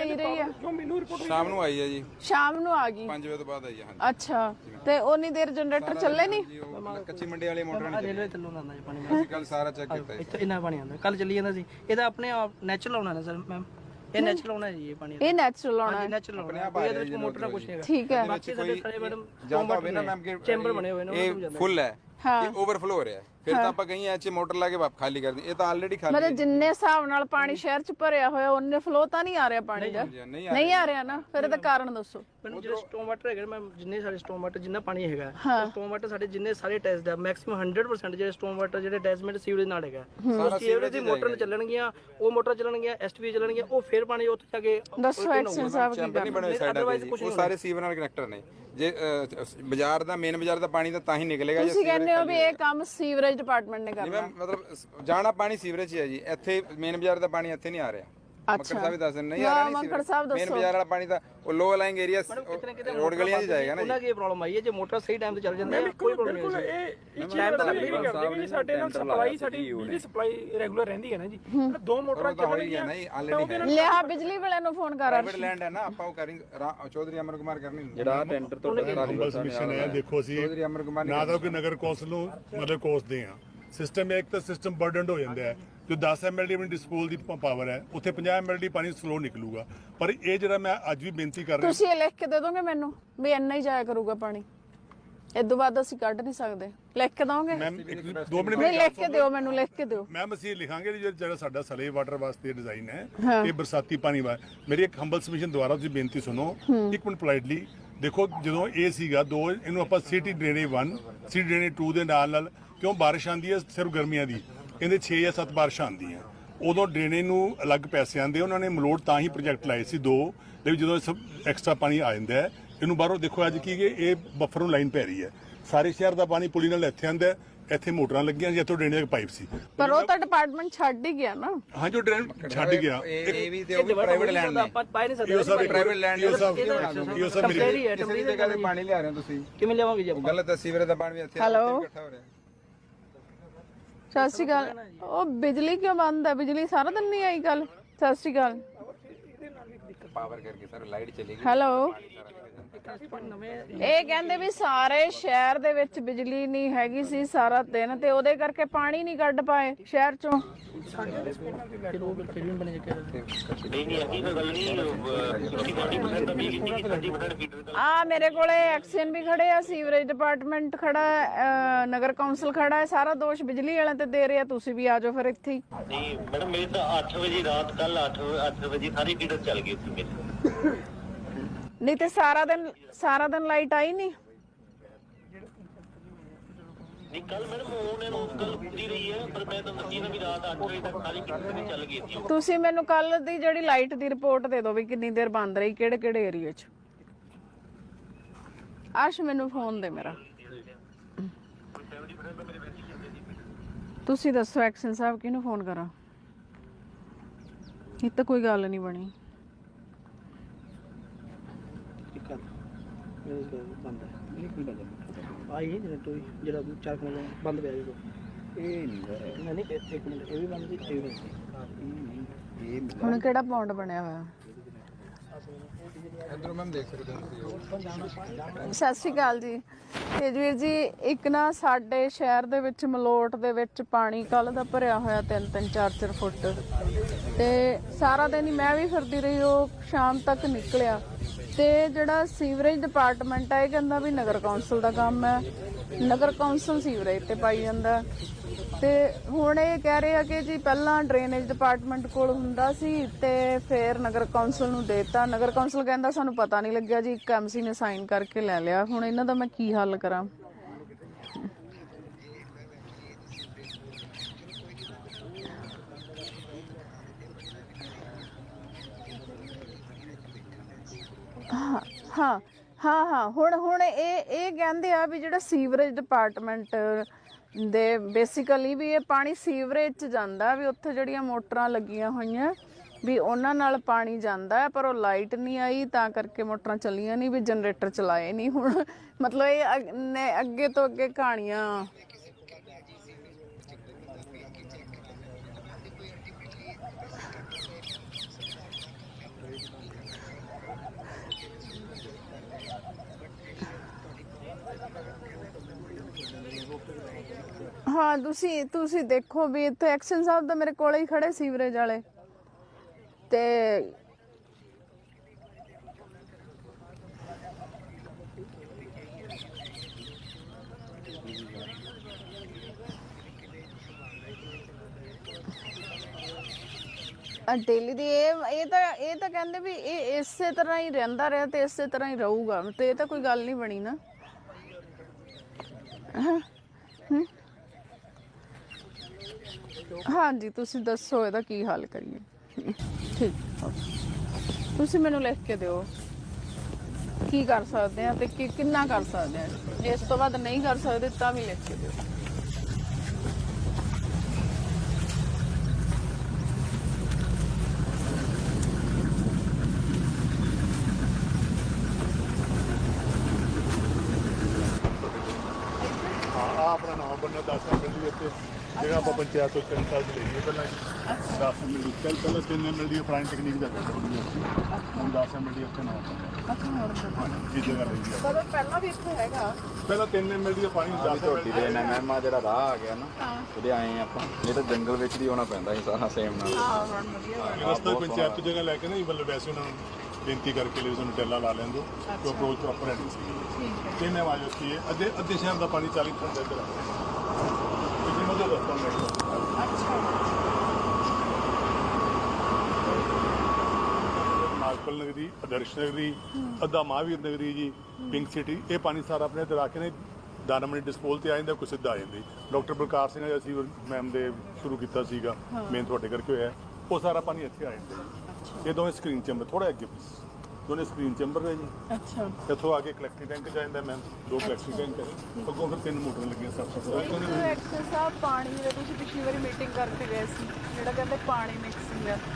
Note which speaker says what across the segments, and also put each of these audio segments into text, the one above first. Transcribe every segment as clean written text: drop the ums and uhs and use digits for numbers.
Speaker 1: ਪਈ ਰਹੀ ਹੈ?
Speaker 2: ਸ਼ਾਮ ਨੂੰ ਆਈ ਹੈ ਜੀ,
Speaker 1: ਸ਼ਾਮ ਨੂੰ ਆ ਗਈ।
Speaker 2: 5 ਵਜੇ ਤੋਂ ਬਾਅਦ ਆਈ ਹੈ। ਹਾਂਜੀ
Speaker 1: ਅੱਛਾ, ਤੇ ਉਨੀ ਦੇਰ ਜਨਰੇਟਰ ਚੱਲੇ ਨਹੀਂ?
Speaker 2: ਜੀ, ਉਹ ਕੱਚੀ ਮੰਡੀ ਵਾਲੀ ਮੋਟਰ ਨਹੀਂ
Speaker 3: ਰੇਲਵੇ ਥੱਲੋਂ ਆਉਂਦਾ ਜੀ ਪਾਣੀ।
Speaker 2: ਅਸੀਂ ਕੱਲ ਸਾਰਾ ਚੈੱਕ ਕੀਤਾ ਜੀ।
Speaker 3: ਇੱਥੇ ਇੰਨਾ ਪਾਣੀ ਆਉਂਦਾ, ਕੱਲ ਚੱਲੀ ਜਾਂਦਾ ਸੀ। ਇਹਦਾ ਆਪਣੇ ਆਪ ਨੈਚੁਰਲ ਆਉਣਾ ਨਾ ਸਰ ਮੈਮ, ਇਹ ਨੈਚੁਰਲ ਆਉਣਾ ਜੀ ਇਹ ਪਾਣੀ।
Speaker 1: ਇਹ ਨੈਚੁਰਲ ਆਉਣਾ ਹੈ?
Speaker 3: ਨੈਚੁਰਲ ਆਉਣਾ, ਕੋਈ ਇਹਦੇ ਵਿੱਚ ਮੋਟਰ ਦਾ ਕੁਝ ਨਹੀਂ ਹੈਗਾ।
Speaker 1: ਠੀਕ ਹੈ।
Speaker 3: ਬਾਕੀ ਸਾਡੇ ਸਾਰੇ ਮੈਡਮ
Speaker 2: ਜਾਂਦਾ ਹੋਵੇ ਨਾ ਮੈਮ ਕਿ
Speaker 3: ਚੈਂਬਰ ਬਣੇ ਹੋਏ ਨੇ,
Speaker 2: ਇਹ ਫੁੱਲ ਹੈ, ਇਹ ਓਵਰਫਲੋ ਹੋ ਰਿਹਾ ਹੈ, ਫਿਰ ਤਾਂ ਆਪਾਂ ਕਹੀਂ ਐਚ ਮੋਟਰ ਲਾ ਕੇ ਖਾਲੀ ਕਰ ਦੀ। ਇਹ ਤਾਂ ਆਲਰੇਡੀ ਖਾਲੀ ਹੈ।
Speaker 1: ਮਤਲਬ ਜਿੰਨੇ ਹਿਸਾਬ ਨਾਲ ਪਾਣੀ ਸ਼ਹਿਰ ਚ ਭਰਿਆ ਹੋਇਆ ਉਹਨੇ ਫਲੋ ਤਾਂ ਨਹੀਂ ਆ ਰਿਹਾ ਪਾਣੀ ਦਾ? ਨਹੀਂ ਆ ਰਿਹਾ ਨਾ, ਫਿਰ ਇਹਦਾ ਕਾਰਨ ਦੱਸੋ।
Speaker 3: ਮੈਨੂੰ ਜਿਹੜੇ ਸਟੋਮ ਵਾਟਰ ਹੈਗੇ ਮੈਂ ਜਿੰਨੇ ਸਾਡੇ ਸਟੋਮ ਵਾਟਰ ਜਿੰਨਾ ਪਾਣੀ ਹੈਗਾ, ਸਟੋਮ ਵਾਟਰ ਸਾਡੇ ਜਿੰਨੇ ਸਾਰੇ ਟੈਸਟ ਦਾ ਮੈਕਸਿਮਮ 100% ਜਿਹੜੇ ਸਟੋਮ ਵਾਟਰ ਜਿਹੜੇ ਅਟੈਚਮੈਂਟ ਸੀਵਰੇਜ ਨਾਲ ਹੈਗਾ। ਉਹ ਸੀਵਰੇਜ ਦੀ ਮੋਟਰ ਚੱਲਣਗੀਆਂ, ਉਹ ਮੋਟਰ ਚੱਲਣਗੀਆਂ, ਐਸਟੀਵੀ ਚੱਲਣਗੀਆਂ, ਉਹ ਫਿਰ ਪਾਣੀ ਉੱਥੇ ਜਾ ਕੇ
Speaker 1: ਦੱਸੋ ਐਕਸ਼ਨ ਸਾਹਿਬ ਕੀ
Speaker 2: ਚੈਂਬਰ ਨਹੀਂ ਬਣੇ ਹੋਏ ਸਾਈਡਾਂ ਤੇ ਜੀ, ਉਹ ਸਾਰੇ ਸੀਵਰ ਨਾਲ ਕਨੈਕਟਰ ਨੇ। ਜੇ ਬਾਜ਼ਾਰ ਦਾ ਮੇਨ ਬਾਜ਼ਾਰ ਦਾ ਪਾਣੀ ਤਾਂ ਤਾਂ ਹੀ ਨਿਕਲੇਗਾ ਜੇ
Speaker 1: ਤੁਸੀਂ ਕਹਿੰਦੇ ਹੋ ਵੀ ਇਹ ਕੰਮ ਸੀਵਰੇਜ ਡਿਪਾਰਟਮੈਂਟ ਨੇ ਕਰਨਾ।
Speaker 2: ਮਤਲਬ ਜਾਣਾ ਪਾਣੀ ਸੀਵਰੇਜ ਹੀ ਹੈ ਜੀ, ਇੱਥੇ ਮੇਨ ਬਾਜ਼ਾਰ ਦਾ ਪਾਣੀ ਇੱਥੇ ਨਹੀਂ ਆ ਰਿਹਾ। ਮੱਕੜ ਸਾਹਿਬ ਵੀ ਦੱਸ ਨਹੀਂ ਆ ਰਿਹਾ,
Speaker 1: ਮੱਕੜ ਸਾਹਿਬ
Speaker 2: ਮੇਨ ਬਾਜ਼ਾਰ ਵਾਲਾ ਪਾਣੀ ਤਾਂ ਉਹ ਲੋ ਲਾਈਂਗ ਏਰੀਆ ਰੋਡ ਗਲੀਆਂ 'ਚ ਜਾਏਗਾ ਨਾ।
Speaker 3: ਉਹਨਾਂ ਕੀ ਪ੍ਰੋਬਲਮ ਆਈ ਹੈ, ਜੇ ਮੋਟਰ ਸਹੀ ਟਾਈਮ ਤੇ ਚੱਲ ਜਾਂਦੀ ਹੈ ਕੋਈ ਪ੍ਰੋਬਲਮ ਨਹੀਂ ਹੈ।
Speaker 4: ਇਹ ਟਾਈਮ ਤਾਂ ਲੱਗੇਗਾ ਸਾਡੇ ਨਾਲ ਸਪਲਾਈ, ਸਾਡੀ ਬਿਜਲੀ ਸਪਲਾਈ ਰੈਗੂਲਰ ਰਹਿੰਦੀ ਹੈ ਨਾ ਜੀ। ਦੋ ਮੋਟਰਾਂ
Speaker 2: ਚੱਲਣਗੀਆਂ ਨਾ ਜੀ ਆਲਰੇਡੀ।
Speaker 1: ਲਿਆ ਬਿਜਲੀ ਵਾਲਿਆਂ ਨੂੰ ਫੋਨ ਕਰ।
Speaker 2: ਪ੍ਰਾਈਵੇਟ ਲੈਂਡ ਹੈ ਨਾ, ਆਪਾਂ ਉਹ ਕਰਿੰਗ ਚੌਧਰੀ ਅਮਰ ਕੁਮਾਰ ਕਰਨੀ ਜਿਹੜਾ ਟੈਂਡਰ ਤੋਂ
Speaker 5: ਮਿਸ਼ਨ ਹੈ। ਦੇਖੋ ਅਸੀਂ
Speaker 2: ਚੌਧਰੀ ਅਮਰ ਕੁਮਾਰ
Speaker 5: ਨਾ ਤਾਂ ਕਿ ਨਗਰ ਕੌਂਸਲ ਨੂੰ ਮਤਲਬ ਕੋਸਦੇ ਆ ਸਿਸਟਮ, ਇੱਕ ਤਾਂ ਸਿਸਟਮ ਬਰਡਨਡ ਹੋ ਜਾਂਦਾ ਹੈ। ਜੋ 10 ਐਮਐਲਡੀ ਆਪਣੀ ਡਿਸਪੋਲ ਦੀ ਪਾਵਰ ਹੈ, ਉੱਥੇ 50 ਐਮਐਲਡੀ ਪਾਣੀ ਸਲੋ ਨਿਕਲੂਗਾ। ਪਰ ਇਹ ਜਿਹੜਾ ਮੈਂ ਅੱਜ ਵੀ ਬੇਨਤੀ ਕਰ ਰਿਹਾ,
Speaker 1: ਤੁਸੀਂ ਇਹ ਲਿਖ ਕੇ ਦੇ ਦੋਗੇ ਮੈਨੂੰ ਵੀ ਇੰਨਾ ਹੀ ਜਾਇਆ ਕਰੂਗਾ ਪਾਣੀ, ਇਦੋਂ ਬਾਅਦ ਅਸੀਂ ਕੱਢ ਨਹੀਂ ਸਕਦੇ? ਲਿਖ ਕੇ ਦੋਗੇ?
Speaker 5: ਮੈਮ 2 ਮਿੰਟ
Speaker 1: ਨਹੀਂ, ਲਿਖ ਕੇ ਦਿਓ ਮੈਨੂੰ, ਲਿਖ ਕੇ ਦਿਓ।
Speaker 5: ਮੈਮ ਅਸੀਂ ਲਿਖਾਂਗੇ ਜਿਹੜਾ ਸਾਡਾ ਸਲੇ ਵਾਟਰ ਵਾਸਤੇ ਡਿਜ਼ਾਈਨ ਹੈ, ਇਹ ਬਰਸਾਤੀ ਪਾਣੀ ਵਾ। ਮੇਰੀ ਇੱਕ ਹੰਬਲ ਸਬਮਿਸ਼ਨ ਦੁਆਰਾ ਤੁਸੀਂ ਬੇਨਤੀ ਸੁਣੋ ਇੱਕ ਮਿੰਟ ਪੋਲਾਈਟਲੀ। ਦੇਖੋ ਜਦੋਂ ਇਹ ਸੀਗਾ 2 ਇਹਨੂੰ ਆਪਾਂ ਸਿਟੀ ਡਰੇਨੇਜ 1 ਸਿਟੀ ਡਰੇਨੇਜ 2 ਦੇ ਨਾਲ ਕਿਉਂ ਬਾਰਿਸ਼ ਆਉਂਦੀ ਹੈ ਸਿਰਫ ਗਰਮੀਆਂ ਦੀ, ਕਹਿੰਦੇ 6 ਜਾਂ 7 ਬਾਰਿਸ਼ਾਂ ਆਉਂਦੀਆਂ, ਉਦੋਂ ਡਰੇਨੇਜ ਨੂੰ ਅਲੱਗ ਪੈਸੇ ਆਉਂਦੇ। ਉਹਨਾਂ ਨੇ ਮਲੋਟ ਤਾਂ ਹੀ ਪ੍ਰੋਜੈਕਟ ਲਾਏ ਸੀ 2, ਲੇਕਿਨ ਜਦੋਂ ਸਭ ਐਕਸਟਰਾ ਪਾਣੀ ਆ ਜਾਂਦਾ ਹੈ ਇਹਨੂੰ ਬਾਹਰੋਂ ਦੇਖੋ ਅੱਜ ਕੀ ਇਹ ਬਫਰ ਨੂੰ ਲਾਈਨ ਪੈ ਰਹੀ ਹੈ। ਸਾਰੇ ਸ਼ਹਿਰ ਦਾ ਪਾਣੀ ਪੁਲੀ ਨਾਲ ਇੱਥੇ ਆਉਂਦਾ, ਇੱਥੇ ਮੋਟਰਾਂ ਲੱਗੀਆਂ ਸੀ, ਇੱਥੋਂ ਡਰੇਨੇਜ ਪਾਈਪ ਸੀ।
Speaker 1: ਪਰ ਉਹ ਤਾਂ ਡਿਪਾਰਟਮੈਂਟ ਛੱਡ ਹੀ ਗਿਆ ਨਾ।
Speaker 5: ਹਾਂ ਜੋ ਡਰੇਨ ਛੱਡ ਗਿਆ,
Speaker 2: ਇਹ ਵੀ ਤੇ ਉਹ ਵੀ ਪ੍ਰਾਈਵੇਟ ਲੈਂਡ ਨੇ,
Speaker 3: ਆਪਾਂ ਪਾਈ ਨਹੀਂ
Speaker 5: ਇਹ
Speaker 3: ਸਕਦੇ।
Speaker 5: ਪ੍ਰਾਈਵੇਟ ਲੈਂਡ ਇਹ ਸਭ
Speaker 3: ਟੈਂਪਰੇਰੀ ਹੈ,
Speaker 2: ਕਿਸੇ ਦੀ ਜਗ੍ਹਾ ਤੇ ਪਾਣੀ ਲਿਆ ਰਹੇ ਹੋ ਤੁਸੀਂ,
Speaker 3: ਕਿਵੇਂ ਲਿਆਵਾਂਗੇ ਜੀ ਆਪਾਂ?
Speaker 2: ਗਲਤ ਹੈ। ਸੀਵਰੇਜ ਦਾ ਪਾਣੀ ਵੀ ਇੱਥੇ
Speaker 1: ਹੈਲੋ
Speaker 2: ਇਕੱਠਾ ਹੋ ਰਿਹਾ।
Speaker 1: ਸਤਿ ਸ਼੍ਰੀ ਅਕਾਲ। ਉਹ ਬਿਜਲੀ ਕਿਉਂ ਬੰਦ ਹੈ? ਬਿਜਲੀ ਸਾਰਾ ਦਿਨ ਨਹੀਂ ਆਈ ਕੱਲ? ਸਤਿ ਸ਼੍ਰੀ ਅਕਾਲ।
Speaker 2: ਪਾਵਰ ਕਰਕੇ ਸਰ ਲਾਈਟ ਚਲੀ ਗਈ।
Speaker 1: ਹੈਲੋ, ਇਹ ਕਹਿੰਦੇ ਵੀ ਸਾਰੇ ਸ਼ਹਿਰ ਦੇ ਵਿੱਚ ਬਿਜਲੀ ਨਹੀਂ ਹੈਗੀ ਸੀ ਸਾਰਾ ਦਿਨ, ਤੇ ਉਹਦੇ ਕਰਕੇ ਪਾਣੀ ਨਹੀਂ ਕੱਢ ਪਾਏ ਸ਼ਹਿਰ ਚੋਂ। ਆ ਮੇਰੇ ਕੋਲੇ ਐਕਸ਼ਨ ਵੀ ਖੜੇ ਆ, ਸੀਵਰੇਜ ਡਿਪਾਰਟਮੈਂਟ ਖੜਾ ਹੈ, ਨਗਰ ਕੌਂਸਲ ਖੜਾ ਹੈ, ਸਾਰਾ ਦੋਸ਼ ਬਿਜਲੀ ਵਾਲਿਆਂ ਤੇ ਦੇ ਰਿਹਾ। ਤੁਸੀਂ ਵੀ ਆ ਜਾਓ ਫਿਰ ਇੱਥੇ ਹੀ।
Speaker 6: ਨਹੀਂ ਮੈਡਮ ਮੇਰੀ ਤਾਂ 8 ਵਜੇ ਰਾਤ ਕੱਲ 8 ਵਜੇ ਸਾਰੀ ਫੀਡਰ ਚੱਲ ਗਈ ਸੀ ਮੇਰੀ।
Speaker 1: ਨਹੀਂ ਤੇ ਸਾਰਾ ਦਿਨ ਲਾਈਟ ਆਈ ਨਹੀਂ?
Speaker 6: ਨਹੀਂ ਕੱਲ ਮੈਡਮ ਉਹਨਾਂ ਨੂੰ ਕੱਲ ਪੂਰੀ ਰਹੀ ਹੈ, ਪਰ ਮੈਂ ਤਾਂ ਦੱਸੀ ਨਾ ਵੀ ਰਾਤ 8 ਵਜੇ ਤੱਕ ਸਾਰੀ ਫੀਡਰ ਚੱਲ ਗਈ ਸੀ।
Speaker 1: ਤੁਸੀਂ ਮੈਨੂੰ ਕੱਲ ਦੀ ਜਿਹੜੀ ਲਾਈਟ ਦੀ ਰਿਪੋਰਟ ਦੇ ਦਿਓ ਵੀ ਕਿੰਨੀ ਦੇਰ ਬੰਦ ਰਹੀ, ਕਿਹੜੇ ਏਰੀਆ 'ਚ। ਅਰਸ਼ ਮੈਨੂੰ ਫੋਨ ਦੇ ਮੇਰਾ। ਤੁਸੀਂ ਦੱਸੋ ਐਕਸ਼ਨ ਸਾਹਿਬ ਕਿਹਨੂੰ ਫੋਨ ਕਰਾਂ? ਇਹ ਤਾਂ ਕੋਈ ਗੱਲ ਨਹੀਂ ਬਣੀ।
Speaker 3: ਆਈ ਜਿਹੜਾ 4 ਮਿੰਟ ਬੰਦ ਪਿਆ ਜੀ ਇਹ ਨਹੀਂ ਇੱਕ ਮਿੰਟ ਇਹ ਵੀ ਬੰਦ ਸੀ, ਇਹ ਵੀ ਬੰਦ।
Speaker 1: ਹੁਣ ਕਿਹੜਾ ਪੌਂਡ ਬਣਿਆ ਹੋਇਆ?
Speaker 2: ਇਧਰੋਂ ਮੈਮ ਦੇਖ ਸਕਦੇ ਹੋ।
Speaker 1: ਸਤਿ ਸ਼੍ਰੀ ਅਕਾਲ ਜੀ। ਤੇਜਵੀਰ ਜੀ, ਇੱਕ ਨਾ ਸਾਡੇ ਸ਼ਹਿਰ ਦੇ ਵਿੱਚ ਮਲੋਟ ਦੇ ਵਿੱਚ ਪਾਣੀ ਕੱਲ ਦਾ ਭਰਿਆ ਹੋਇਆ 3-3 4-4 ਫੁੱਟ, ਤੇ ਸਾਰਾ ਦਿਨ ਹੀ ਮੈਂ ਵੀ ਫਿਰਦੀ ਰਹੀ, ਉਹ ਸ਼ਾਮ ਤੱਕ ਨਿਕਲਿਆ। ਤੇ ਜਿਹੜਾ ਸੀਵਰੇਜ ਡਿਪਾਰਟਮੈਂਟ ਹੈ ਇਹ ਕਹਿੰਦਾ ਵੀ ਨਗਰ ਕੌਂਸਲ ਦਾ ਕੰਮ ਹੈ, ਨਗਰ ਕੌਂਸਲ ਸੀਵਰੇਜ ਤੇ ਪਾਈ ਜਾਂਦਾ। ਤੇ ਹੁਣ ਇਹ ਕਹਿ ਰਹੇ ਆ ਕਿ ਜੀ ਪਹਿਲਾਂ ਡਰੇਨੇਜ ਡਿਪਾਰਟਮੈਂਟ ਕੋਲ ਹੁੰਦਾ ਸੀ ਤੇ ਫਿਰ ਨਗਰ ਕੌਂਸਲ ਨੂੰ ਦੇਤਾ। ਨਗਰ ਕੌਂਸਲ ਕਹਿੰਦਾ ਸਾਨੂੰ ਪਤਾ ਨਹੀਂ ਲੱਗਿਆ ਜੀ, ਇੱਕ ਐਮਸੀ ਨੇ ਸਾਈਨ ਕਰਕੇ ਲੈ ਲਿਆ। ਹੁਣ ਇਹਨਾਂ ਦਾ ਮੈਂ ਕੀ ਹੱਲ ਕਰਾਂ? ਹਾਂ ਹੁਣ ਇਹ ਕਹਿੰਦੇ ਆ ਵੀ ਜਿਹੜਾ ਸੀਵਰੇਜ ਡਿਪਾਰਟਮੈਂਟ ਦੇ ਬੇਸਿਕਲੀ ਵੀ ਇਹ ਪਾਣੀ ਸੀਵਰੇਜ 'ਚ ਜਾਂਦਾ, ਵੀ ਉੱਥੇ ਜਿਹੜੀਆਂ ਮੋਟਰਾਂ ਲੱਗੀਆਂ ਹੋਈਆਂ ਵੀ ਉਹਨਾਂ ਨਾਲ ਪਾਣੀ ਜਾਂਦਾ ਹੈ, ਪਰ ਉਹ ਲਾਈਟ ਨਹੀਂ ਆਈ ਤਾਂ ਕਰਕੇ ਮੋਟਰਾਂ ਚੱਲੀਆਂ ਨਹੀਂ, ਵੀ ਜਨਰੇਟਰ ਚਲਾਏ ਨਹੀਂ। ਹੁਣ ਮਤਲਬ ਇਹ ਅੱਗੇ ਤੋਂ ਅੱਗੇ ਕਹਾਣੀਆਂ। ਹਾਂ ਤੁਸੀਂ ਦੇਖੋ ਵੀ ਇੱਥੇ ਐਕਸ਼ਨ ਸਾਹਿਬ ਤਾਂ ਮੇਰੇ ਕੋਲੇ ਹੀ ਖੜੇ ਸੀਵਰੇਜ ਵਾਲੇ ਤੇ ਡੇਲੀ ਦੀ ਇਹ ਤਾਂ ਕਹਿੰਦੇ ਵੀ ਇਹ ਇਸੇ ਤਰ੍ਹਾਂ ਹੀ ਰਹਿੰਦਾ ਰਿਹਾ ਤੇ ਇਸੇ ਤਰ੍ਹਾਂ ਹੀ ਰਹੂਗਾ ਤੇ ਇਹ ਤਾਂ ਕੋਈ ਗੱਲ ਨਹੀਂ ਬਣੀ ਨਾ। ਹਾਂਜੀ ਤੁਸੀਂ ਦੱਸੋ ਇਹਦਾ ਕੀ ਹੱਲ ਕਰੀਏ। ਠੀਕ ਤੁਸੀਂ ਮੈਨੂੰ ਲਿਖ ਕੇ ਦਿਓ ਕੀ ਕਰ ਸਕਦੇ ਆ ਤੇ ਕਿੰਨਾ ਕਰ ਸਕਦੇ ਆ। ਇਸ ਤੋਂ ਬਾਅਦ ਨਹੀਂ ਕਰ ਸਕਦੇ ਤਾਂ ਵੀ ਲਿਖ ਕੇ ਦਿਓ।
Speaker 5: ਆਪਣਾ ਨਾਮ ਬੰਨਾ 10 ਮਿੰਟ ਦੀ ਇੱਥੇ ਜਿਹੜਾ ਆਪਾਂ ਪੰਚਾਇਤ ਤੋਂ 3 ਸਾਲ ਦੀ ਲਈਏ ਪਹਿਲਾਂ 10 ਮਿੰਟ ਦੀ ਪਹਿਲਾਂ 3 ਮਿੰਟ ਦੀ ਪੁਰਾਣੀ ਟੈਕਨੀਕ ਦਾ ਹੁਣ 10 ਮਿੰਟ ਦੀ ਇੱਥੇ ਨਾਮ ਬੰਨਾ ਇਹ ਜਗ੍ਹਾ ਲਈ
Speaker 1: ਪਰ ਪਹਿਲਾਂ ਵੀ ਇੱਥੇ ਹੈਗਾ
Speaker 5: ਪਹਿਲਾਂ 3 ਮਿੰਟ ਦੀ ਪਾਣੀ 10 ਮਿੰਟ
Speaker 2: ਦੇ ਐਨਐਮ ਆ ਜਿਹੜਾ ਰਾਹ ਆ ਗਿਆ ਨਾ ਉਹਦੇ ਆਏ ਆਪਾਂ ਇਹ ਤਾਂ ਜੰਗਲ ਵਿੱਚ ਦੀ ਆਉਣਾ ਪੈਂਦਾ ਸੀ ਸਾਰਾ ਸੇਮ ਨਾਲ।
Speaker 1: ਹਾਂ ਹੁਣ ਵਧੀਆ
Speaker 5: ਰਸਤਾ ਪੰਚਾਇਤ ਤੋਂ ਜਗ੍ਹਾ ਲੈ ਕੇ ਨਾ ਮਤਲਬ ਵੈਸੇ ਉਹਨਾਂ ਨੂੰ ਬੇਨਤੀ ਕਰਕੇ ਲਈ ਸਾਨੂੰ ਟੈਲਾ ਲਾ ਲੈਣ ਦਿਓ ਕਿ ਅਪਰੋਚ ਪ੍ਰੋਪਰ ਹੈ ਨਹੀਂ ਸੀ। ਕਿੰਨੇ ਵਾਜੋ ਸੀ ਅੱਧੇ ਸ਼ਹਿਰ ਦਾ ਪਾਣੀ 40 ਫੁੱਟ ਇੱਧਰ ਆ ਕਿੰਨੇ ਮਜ਼ਾ ਰਸਤਾ ਮਿਲਦਾ। ਨਾਗਪਲ ਨਗਰੀ, ਆਦਰਸ਼ ਨਗਰੀ, ਅੱਧਾ ਮਹਾਵੀਰ ਨਗਰੀ ਜੀ, ਪਿੰਕ ਸਿਟੀ, ਇਹ ਪਾਣੀ ਸਾਰਾ ਆਪਣੇ ਇੱਧਰ ਆ ਕੇ ਨੇ ਦਾਨਮਣੀ ਡਿਸਪੋਲ ਤੇ ਆ ਜਾਂਦਾ, ਕੋਈ ਸਿੱਧਾ ਆ ਜਾਂਦੀ। ਡਾਕਟਰ ਬਲਕਾਰ ਸਿੰਘ ਨੇ ਅਸੀਂ ਮੈਮ ਦੇ ਸ਼ੁਰੂ ਕੀਤਾ ਸੀਗਾ, ਮੇਨ ਤੁਹਾਡੇ ਕਰਕੇ ਹੋਇਆ, ਉਹ ਸਾਰਾ ਪਾਣੀ ਇੱਥੇ ਆ ਜਾਂਦਾ ਜੀ। ਇਹ ਦੋਵੇਂ ਸਕਰੀਨ ਚੈਂਬਰ ਥੋੜਾ ਅੱਗੇ ਦੋਨੇ ਸਕਰੀਨ ਚੈਂਬਰ ਹੈ ਜੀ।
Speaker 1: ਅੱਛਾ
Speaker 5: ਇੱਥੋਂ ਆ ਕੇ ਕਲੈਕਟਿੰਗ ਟੈਂਕ ਜਾਂਦਾ ਮੈਮ, 2 ਕਲੈਕਟਿੰਗ ਟੈਂਕ ਹੈ, ਅੱਗੋਂ ਫਿਰ 3 ਮੋਟਰ ਲੱਗੀਆਂ ਸਭ
Speaker 1: ਐਕਸ਼ਨ ਸਾਹਿਬ ਪਾਣੀ ਦੇ ਤੁਸੀਂ ਪਿਛਲੀ ਵਾਰੀ ਮੀਟਿੰਗ ਕਰਕੇ ਗਏ ਸੀ ਜਿਹੜਾ ਕਹਿੰਦੇ ਪਾਣੀ ਮਿਕਸਿੰਗ ਆ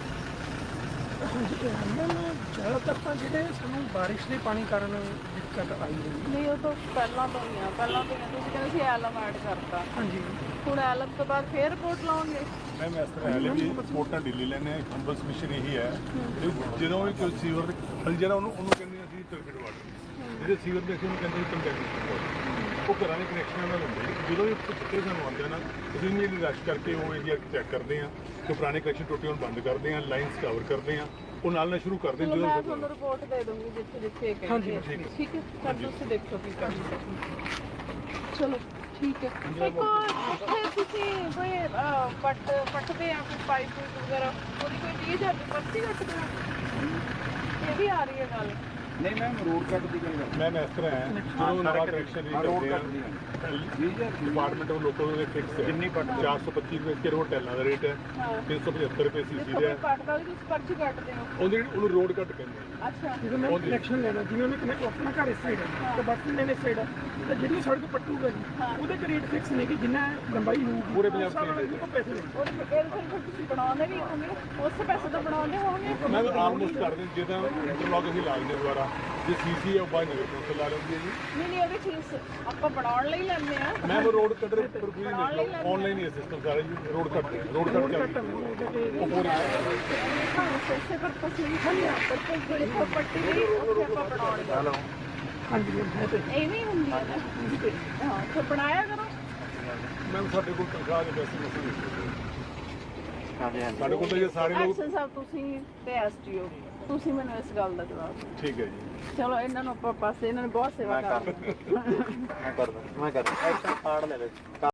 Speaker 4: ਜ਼ਿਆਦਾਤਰ ਤਾਂ ਜਿਹੜੇ ਸਾਨੂੰ ਬਾਰਿਸ਼ ਦੇ ਪਾਣੀ ਕਾਰਨ ਦਿੱਕਤ ਆਈ ਹੋਈ।
Speaker 1: ਨਹੀਂ ਉਹ ਤਾਂ ਪਹਿਲਾਂ ਤੋਂ ਹੀ ਆ ਤੁਸੀਂ ਕਹਿੰਦੇ ਸੀ ਐਲਮ ਐਡ ਕਰਤਾ।
Speaker 4: ਹਾਂਜੀ
Speaker 1: ਹੁਣ ਐਲਮ ਤੋਂ ਬਾਅਦ ਫੇਰ ਰਿਪੋਰਟ ਲਾਉਣਗੇ।
Speaker 5: ਮੈਮ ਇਸ ਤਰ੍ਹਾਂ ਹੈ ਵੀ ਰਿਪੋਰਟਾਂ ਢਿੱਲੀ ਲੈਣੇ ਹੰਬਲ ਸਬਮਿਸ਼ਨ ਇਹੀ ਹੈ ਜਦੋਂ ਵੀ ਕੋਈ ਸੀਵਰ ਜਿਹੜਾ ਉਹਨੂੰ ਕਹਿੰਦੇ ਅਸੀਂ ਟਰਬਿਡ ਵਾਟਰ, ਜਿਹੜੇ ਸੀਵਰ ਦੇ ਅਸੀਂ ਉਹਨੂੰ ਕਹਿੰਦੇ ਕੰਟੈਕਟ ਵਾਟਰ, ਉਹ ਘਰਾਂ ਦੇ ਕਨੈਕਸ਼ਨਾਂ ਨਾਲ ਹੁੰਦੇ। ਜਦੋਂ ਵੀ ਕਿਤੇ ਸਾਨੂੰ ਆਉਂਦੇ ਨਾ ਅਸੀਂ ਇਮੀਡੀਏਟਲੀ ਰਸ਼ ਕਰਕੇ ਉਹ ਏਰੀਆ ਚੈੱਕ ਕਰਦੇ ਹਾਂ ਕਿ ਪੁਰਾਣੇ ਕਨੈਕਸ਼ਨ ਟੁੱਟੇ ਹੋਣ ਬੰਦ ਕਰਦੇ ਹਾਂ, ਲਾਈਨਸ ਕਵਰ ਕਰਦੇ ਹਾਂ, ਉਹ ਨਾਲ ਸ਼ੁਰੂ ਕਰਦੇ ਹਾਂ।
Speaker 1: ਮੈਂ ਤੁਹਾਨੂੰ ਰਿਪੋਰਟ ਦੇ ਦੂੰਗੀ ਜਿੱਥੇ
Speaker 5: ਹਾਂਜੀ
Speaker 1: ਠੀਕ ਹੈ ਸਰ ਤੁਸੀਂ ਦੇਖੋ ਕੀ ਕਰ ਚਲੋ ਠੀਕ ਹੈ। ਇੱਕ ਇੱਥੇ ਤੁਸੀਂ ਕੋਈ ਪੱਟਦੇ ਆ ਕੋਈ ਪਾਈਪ ਵਗੈਰਾ ਉਹਦੀ ਕੋਈ ਚੀਜ਼ ਹੈ ਪਰਚੀ ਕੱਟਦੇ ਆ ਇਹ ਵੀ ਆ ਰਹੀ ਹੈ ਗੱਲ।
Speaker 2: ਨਹੀਂ ਮੈਮ ਰੋਡ ਕੱਟ ਦੀ ਗੱਲ
Speaker 5: ਮੈਮ ਇਸ ਤਰ੍ਹਾਂ ਹੈ ਜਦੋਂ ਨਵਾਂ ਕਨੈਕਸ਼ਨ ਵੀ ਕਰਦੇ ਆ ਡਿਪਾਰਟਮੈਂਟ ਉਹ ਲੋਕਾਂ ਦੇ ਫਿਕਸ ਹੈ ਜਿੰਨੀ 425 ਰੁਪਏ ਕਿਲੋ ਟੈਲਾਂ ਦਾ ਰੇਟ ਹੈ, 375 ਰੁਪਏ ਸੀਸੀ ਦਾ ਹੈ।
Speaker 1: ਪੱਟਦਾ ਵੀ ਤੁਸੀਂ ਪਰਚੀ ਕੱਟਦੇ ਹੋ
Speaker 5: ਉਹਨੂੰ ਰੋਡ ਕੱਟ ਕਹਿੰਦੇ ਆ।
Speaker 1: ਅੱਛਾ
Speaker 4: ਜਦੋਂ ਮੈਂ ਕਨੈਕਸ਼ਨ ਲੈਣਾ ਜਿਵੇਂ ਉਹਨੇ ਕਨੈਕਟ ਆਪਣਾ ਘਰ ਇਸ ਸਾਈਡ ਹੈ ਤੇ ਬਾਕੀ ਮੈਨੇ ਸਾਈਡ ਹੈ ਤੇ ਜਿਹੜੀ ਸੜਕ ਪੱਟੂਗਾ ਜੀ ਉਹਦੇ ਚ ਰੇਟ ਫਿਕਸ ਨਹੀਂ ਕਿ ਜਿੰਨਾ ਲੰਬਾਈ ਹੋਊਗੀ
Speaker 5: ਪੂਰੇ ਪੰਜਾਬ
Speaker 4: ਦੇ ਪੈਸੇ ਲੈਣੇ।
Speaker 1: ਇਹ ਫਿਰ ਤੁਸੀਂ ਬਣਾਉਂਦੇ ਵੀ ਹੋਗੇ ਉਸ ਪੈਸੇ ਤਾਂ ਬਣਾਉਂਦੇ ਹੋਣਗੇ।
Speaker 5: ਮੈਂ ਆਲਮੋਸਟ ਕਰਦੇ ਜਿੱਦਾਂ ਇੰਟਰਲੌਕ ਅਸੀਂ ਲਾ ਲੈਂਦੇ ਦੁਬਾਰਾ ਜੇ ਸੀਸੀ ਹੈ ਉਹ ਬਾਈ ਨਗਰ ਕੌਂਸਲ ਲਾ ਲੈਂਦੀ ਹੈ ਜੀ।
Speaker 1: ਨਹੀਂ ਉਹਦੀ ਫੀਸ ਆਪਾਂ ਬਣਾਉਣ ਲਈ ਲੈਂਦੇ ਆ।
Speaker 5: ਮੈਂ ਉਹ ਰੋਡ ਕੱਟ ਪਰ ਕੋਈ ਨਹੀਂ ਆਨਲਾਈਨ ਹੀ ਸਿਸਟਮ ਸਾਰਾ ਜੀ ਰੋਡ ਕੱਟ ਚੱਲਦਾ ਉਹ ਪੂਰੇ
Speaker 1: ਪੈਸੇ ਪਰ ਤਸਲੀਮ ਨਹੀਂ ਆ ਪਰ ਕੋਈ ਪੱਟੀ ਨਹੀਂ ਉੱਥੇ ਆਪਾਂ ਬਣਾਉਣੀ।
Speaker 4: ਹਾਂਜੀ
Speaker 1: ਐਵੇਂ ਹੁੰਦੀ ਹੈ ਨਾ। ਹਾਂ ਤੇ ਬਣਾਇਆ ਕਰੋ।
Speaker 5: ਮੈਂ ਸਾਡੇ ਕੋਲ ਤਨਖਾਹ ਦੇ ਪੈਸੇ ਨਹੀਂ
Speaker 2: ਹਾਂਜੀ
Speaker 5: ਸਾਡੇ ਕੋਲ ਤਾਂ ਇਹ ਸਾਰੇ ਲੋਕ
Speaker 1: ਐਕਸ਼ਨ ਸਾਹਿਬ ਤੁਸੀਂ ਤੇ ਐਸਟੀਓ ਤੁਸੀਂ ਮੈਨੂੰ ਇਸ ਗੱਲ ਦਾ ਜਵਾਬ ਦਿਓ।
Speaker 5: ਠੀਕ ਹੈ ਜੀ।
Speaker 1: ਚਲੋ ਇਹਨਾਂ ਨੂੰ ਆਪਾਂ ਪਾਸੇ ਇਹਨਾਂ ਨੇ ਬਹੁਤ ਸੇਵਾ ਕਰ
Speaker 2: ਮੈਂ ਕਰਦਾ ਐਕਸ਼ਨ ਕਾਰਡ ਲੈ ਲੈ